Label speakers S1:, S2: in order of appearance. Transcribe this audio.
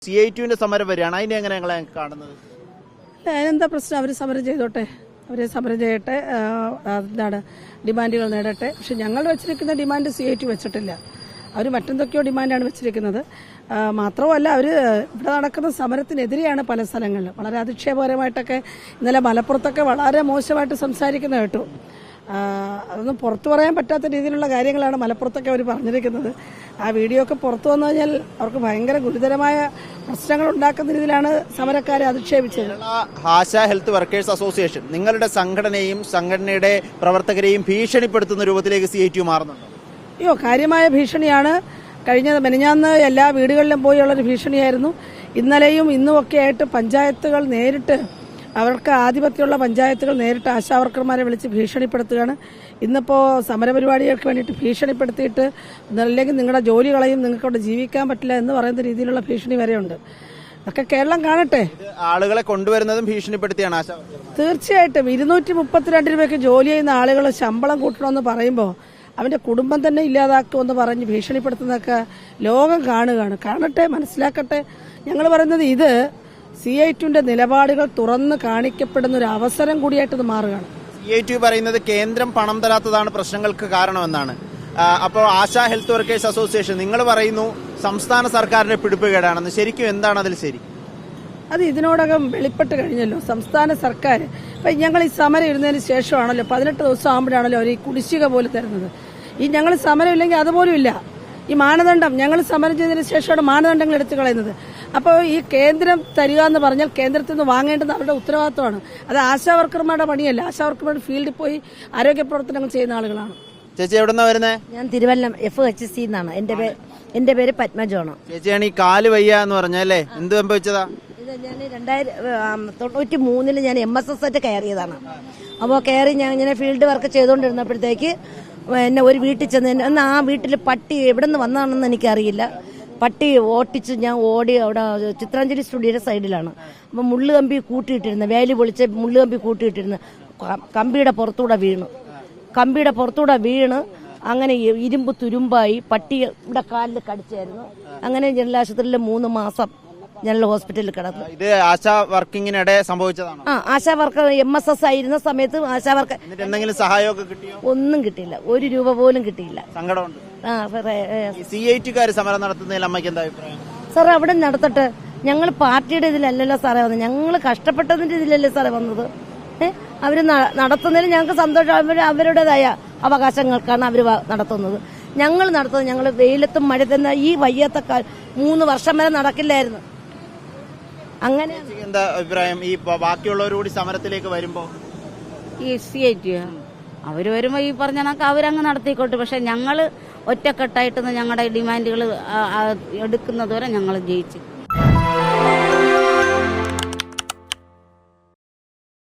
S1: CITUവിന്റെ സമരം വരികയാണ്. അതിനെ എങ്ങനെ ഞങ്ങളെ കാണുന്നത്?
S2: അതിനെന്താ പ്രശ്നം? അവർ സമരം ചെയ്തോട്ടെ, അവർ സമരം ചെയ്യട്ടെ, എന്താണ് ഡിമാൻഡുകൾ നേടട്ടെ. പക്ഷെ ഞങ്ങൾ വെച്ചിരിക്കുന്ന ഡിമാൻഡ് CITU വെച്ചിട്ടില്ല. അവർ മറ്റെന്തൊക്കെയോ ഡിമാൻഡാണ് വെച്ചിരിക്കുന്നത്. മാത്രമല്ല, അവർ ഇവിടെ നടക്കുന്ന സമരത്തിനെതിരെയാണ് പല സ്ഥലങ്ങളിലും. വളരെ അധിക്ഷേപകരമായിട്ടൊക്കെ ഇന്നലെ മലപ്പുറത്തൊക്കെ വളരെ മോശമായിട്ട് സംസാരിക്കുന്ന കേട്ടു. അതൊന്നും പുറത്തു പറയാൻ പറ്റാത്ത രീതിയിലുള്ള കാര്യങ്ങളാണ് മലപ്പുറത്തൊക്കെ അവർ പറഞ്ഞിരിക്കുന്നത്. ആ വീഡിയോ ഒക്കെ പുറത്തു വന്നു കഴിഞ്ഞാൽ അവർക്ക് ഭയങ്കര ഗുരുതരമായ പ്രശ്നങ്ങൾ ഉണ്ടാക്കുന്ന രീതിയിലാണ് സമരക്കാരെ അധിക്ഷേപിച്ചത്.
S1: ആശാ ഹെൽത്ത് വർക്കേഴ്സ് അസോസിയേഷൻ നിങ്ങളുടെ സംഘടനയും സംഘടനയുടെ പ്രവർത്തകരെയും ഭീഷണിപ്പെടുത്തുന്ന രൂപത്തിലേക്ക് CITU മാറുന്നുണ്ടോ?
S2: അയ്യോ, കാര്യമായ ഭീഷണിയാണ്. മെനഞ്ഞാന്ന് എല്ലാ വീടുകളിലും പോയുള്ളൊരു ഭീഷണിയായിരുന്നു. ഇന്നലെയും ഇന്നുമൊക്കെ ആയിട്ട് പഞ്ചായത്തുകൾ നേരിട്ട്, അവർക്ക് ആധിപത്യമുള്ള പഞ്ചായത്തുകൾ നേരിട്ട് ആശാവർക്കർമാരെ വിളിച്ച് ഭീഷണിപ്പെടുത്തുകയാണ്. ഇന്നിപ്പോൾ സമരപരിപാടികൾക്ക് വേണ്ടിയിട്ട് ഭീഷണിപ്പെടുത്തിയിട്ട് അല്ലെങ്കിൽ നിങ്ങളുടെ ജോലി കളയും, നിങ്ങൾക്ക് അവിടെ ജീവിക്കാൻ പറ്റില്ല എന്ന് പറയുന്ന രീതിയിലുള്ള ഭീഷണി വരെയുണ്ട്. അതൊക്കെ കേരളം കാണട്ടെ.
S1: ആളുകളെ കൊണ്ടുവരുന്നതും ഭീഷണിപ്പെടുത്തിയാണ് ആശാ.
S2: തീർച്ചയായിട്ടും 232 രൂപയ്ക്ക് ജോലി ചെയ്യുന്ന ആളുകൾ ശമ്പളം കൂട്ടണമെന്ന് പറയുമ്പോൾ അവന്റെ കുടുംബം തന്നെ ഇല്ലാതാക്കുമെന്ന് പറഞ്ഞ് ഭീഷണിപ്പെടുത്തുന്നതൊക്കെ ലോകം കാണട്ടെ, മനസ്സിലാക്കട്ടെ. ഞങ്ങൾ പറയുന്നത് ഇത് CITUവിന്റെ നിലപാടുകൾ തുറന്ന് കാണിക്കപ്പെടുന്ന ഒരു അവസരം കൂടിയായിട്ട് മാറുകയാണ്.
S1: CITU പറയുന്നത് കേന്ദ്രം പണം തരാത്തതാണ് പ്രശ്നങ്ങൾക്ക് കാരണമെന്നാണ്. അപ്പോൾ ആശാ ഹെൽത്ത് വർക്കേഴ്സ് അസോസിയേഷൻ നിങ്ങൾ പറയുന്നു സംസ്ഥാന സർക്കാരിന്റെ പിടിപ്പുകേടാണെന്ന്. ശരിക്കും എന്താണ് അതിൽ ശരി?
S2: അത് ഇതിനോടകം വെളിപ്പെട്ട് കഴിഞ്ഞല്ലോ. സംസ്ഥാന സർക്കാർ ഇപ്പം ഞങ്ങൾ ഈ സമരം ഇരുന്നതിന് ശേഷമാണല്ലോ, 18 ദിവസം ആകുമ്പോഴാണല്ലോ അവർ ഈ കുടിശ്ശിക പോലും തരുന്നത്. ഈ ഞങ്ങൾ സമരം ഇല്ലെങ്കിൽ അതുപോലും ഇല്ല. ഈ മാനദണ്ഡം ഞങ്ങൾ സമരം ചെയ്തതിന് ശേഷമാണ് മാനദണ്ഡങ്ങൾ എടുത്തു കളയുന്നത്. അപ്പോൾ ഈ കേന്ദ്രം തരിക എന്ന് പറഞ്ഞാൽ കേന്ദ്രത്തിൽ നിന്ന് വാങ്ങേണ്ടത് അവരുടെ ഉത്തരവാദിത്വമാണ്. അത് ആശാ വർക്കർമാരുടെ പണിയല്ല. ആശാ വർക്കർമാരുടെ ഫീൽഡിൽ പോയി ആരോഗ്യ പ്രവർത്തനങ്ങൾ ചെയ്യുന്ന ആളുകളാണ്.
S1: ചേച്ചി എവിടെന്നാ വരുന്നത്?
S3: ഞാൻ തിരുവല്ലം FHC എന്നാണ്. എന്റെ പേര് പത്മജോണ്.
S1: ചേച്ചിയാണ് ഈ കാല് വയ്യ എന്ന് പറഞ്ഞല്ലേ, എന്ത് സംഭവിച്ചതാ?
S3: ഇത് ഞാൻ 1993 ഞാൻ MSS കയറിയതാണ്. അപ്പോൾ കയറി ഞാൻ ഇങ്ങനെ ഫീൽഡ് വർക്ക് ചെയ്തുകൊണ്ടിരുന്നപ്പോഴത്തേക്ക് എന്നെ ഒരു വീട്ടിൽ ചെന്ന്, എന്നാൽ ആ വീട്ടിൽ പട്ടി എവിടെ നിന്ന് വന്നതാണെന്ന് എനിക്കറിയില്ല. പട്ടി ഓട്ടിച്ച് ഞാൻ ഓടി അവിടെ ചിത്രാഞ്ജലി സ്റ്റുഡിയോയുടെ സൈഡിലാണ്. അപ്പം മുള്ളുകമ്പി കൂട്ടിയിട്ടിരുന്നു, വേലി പൊളിച്ച് മുള്ളുകമ്പി കൂട്ടിയിട്ടിരുന്നു. കമ്പിയുടെ പുറത്തൂടെ വീണ് അങ്ങനെ ഇരുമ്പ് തുരുമ്പായി പട്ടി ഇവിടെ കാലിൽ കടിച്ചായിരുന്നു. അങ്ങനെ ജനറൽ ആശുപത്രിയിൽ 3 മാസം ജനറൽ ഹോസ്പിറ്റലിൽ കിടന്നു.
S1: ഇത് ആശാ വർക്കിങ്ങിനിടെ സംഭവിച്ചതാണോ?
S3: ആശാ വർക്കർ MSS ആയിരുന്ന സമയത്ത് ആശാ വർക്കർ
S1: എന്തെങ്കിലും സഹായമൊക്കെ കിട്ടിയോ?
S3: ഒന്നും കിട്ടിയില്ല, 1 രൂപ പോലും കിട്ടിയില്ല.
S1: സങ്കടമുണ്ട്. CITUകാർ സമരം നടത്തുന്നതിൽ അമ്മയ്ക്ക് എന്താ അഭിപ്രായം?
S3: സാർ അവിടെ നടത്തട്ടെ. ഞങ്ങൾ പാർട്ടിയുടെ ഇതിലല്ലല്ലോ സാറേ വന്നത്, ഞങ്ങൾ കഷ്ടപ്പെട്ടതിന്റെ ഇതിലല്ലേ സാറേ വന്നത്. അവര് നടത്തുന്നതിൽ ഞങ്ങൾക്ക് സന്തോഷം. അവരുടേതായ അവകാശങ്ങൾക്കാണ് അവർ നടത്തുന്നത്. ഞങ്ങൾ നടത്തുന്നത്, ഞങ്ങൾ വെയിലത്തും മഴത്തുന്ന ഈ വയ്യാത്ത 3 വർഷം വരെ നടക്കില്ലായിരുന്നു. അങ്ങനെ
S1: എന്താ അഭിപ്രായം ഈ ബാക്കിയുള്ളവരോട് സമരത്തിലേക്ക് വരുമ്പോ?
S4: ഈ CITU അവര് വരുമ്പോ ഈ പറഞ്ഞ കണക്ക് അവരങ്ങ് നടത്തിക്കോട്ടെ. പക്ഷെ ഞങ്ങള് ഒറ്റക്കെട്ടായിട്ട് ഞങ്ങളുടെ ഡിമാൻഡുകൾ എടുക്കുന്നത് വരെ ഞങ്ങൾ ജയിച്ചു.